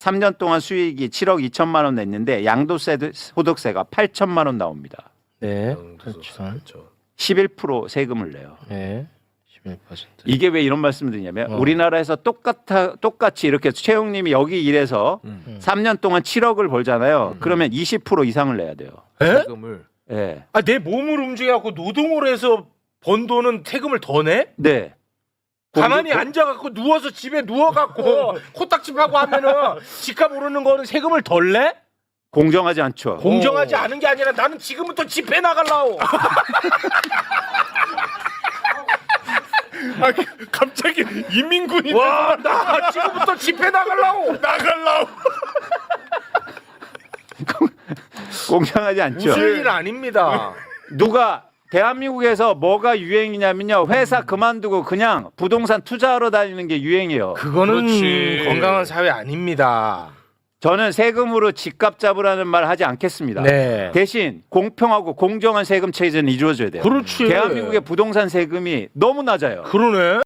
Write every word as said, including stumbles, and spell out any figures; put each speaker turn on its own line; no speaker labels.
삼 년 동안 수익이 칠억 이천만 원 냈는데 양도세 소득세가 팔천만 원 나옵니다.
네.
양도소득세,
그렇죠.
그렇죠.
십일 퍼센트 세금을 내요.
네. 십일 퍼센트.
이게 왜 이런 말씀을 드리냐면
어.
우리나라에서 똑같아 똑같이 이렇게 최영님이 여기 일해서
음.
삼 년 동안 칠억을 벌잖아요.
음.
그러면 이십 퍼센트 이상을 내야 돼요.
에?
세금을
예.
아, 내 몸을 움직여갖고 노동을 해서 번 돈은 세금을 더 내?
네.
가만히
공-
앉아갖고 누워서 집에 누워갖고 코딱지하고 하면은 집값 오르는 거는 세금을 덜 내?
공정하지 않죠.
공정하지
오.
않은 게 아니라 나는 지금부터 집회 나갈라오.
아, 갑자기 인민군이
와, 나 지금부터 집회 나갈라오.
나갈라고.
공정하지 않죠.
웃을 일 아닙니다.
누가 대한민국에서 뭐가 유행이냐면요. 회사 그만두고 그냥 부동산 투자하러 다니는 게 유행이에요.
그거는
그렇지.
건강한 사회 아닙니다.
저는 세금으로 집값 잡으라는 말 하지 않겠습니다.
네.
대신 공평하고 공정한 세금 체제는 이루어져야 돼요.
그렇지.
대한민국의 부동산 세금이 너무 낮아요.
그러네.